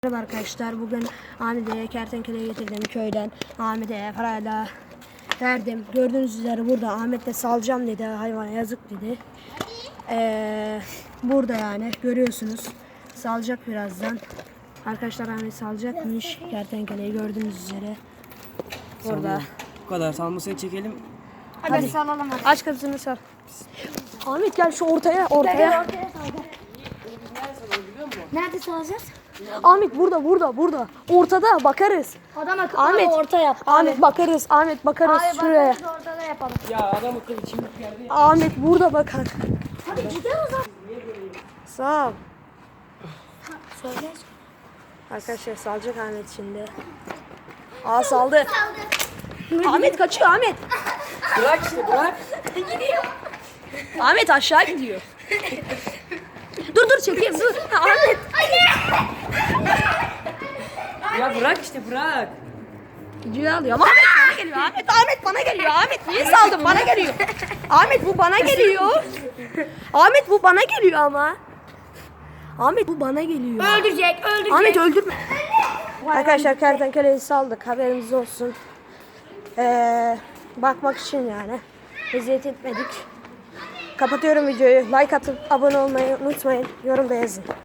Merhaba arkadaşlar, bugün Ahmet'e kertenkeleyi getirdim köyden. Ahmet'e parayla verdim. Gördüğünüz üzere burada Ahmet de salacağım dedi, hayvana yazık dedi. Burada yani görüyorsunuz, salacak birazdan. Arkadaşlar Ahmet salacakmış kertenkeleyi, gördüğünüz üzere. Burada. Bu kadar salmasını çekelim. Hadi salalım. Aç kapısını sal. Ahmet gel şu ortaya. Nerede salacağız? Ahmet burada. Ortada bakarız. Adam akıllı Ahmet orta yap. Ahmet bakarız. Hayır Şuraya. bakarız ortada yapalım. Ya adam akıllı çimdik geldi. Ahmet burada bakar. Hadi gidelim o zaman. Sağ ol. Söyle. Arkadaşlar salacak Ahmet şimdi. Aa saldı. Ahmet kaçıyor Ahmet. Bırak işte bırak. Ahmet aşağı gidiyor. dur çekeyim dur. Ahmet. Ya bırak işte bırak. Videoyu alıyor. Ahmet bana geliyor. Ahmet bana geliyor. Ahmet niye saldın? Bana geliyor. Ahmet bu bana geliyor. Ahmet bu bana geliyor ama. Ahmet bu bana geliyor. Öldürecek. Ahmet öldürme. Arkadaşlar kertenkeleyi saldık, haberiniz olsun. Bakmak için yani. Eziyet etmedik. Kapatıyorum videoyu. Like atıp abone olmayı unutmayın. Yorumda yazın.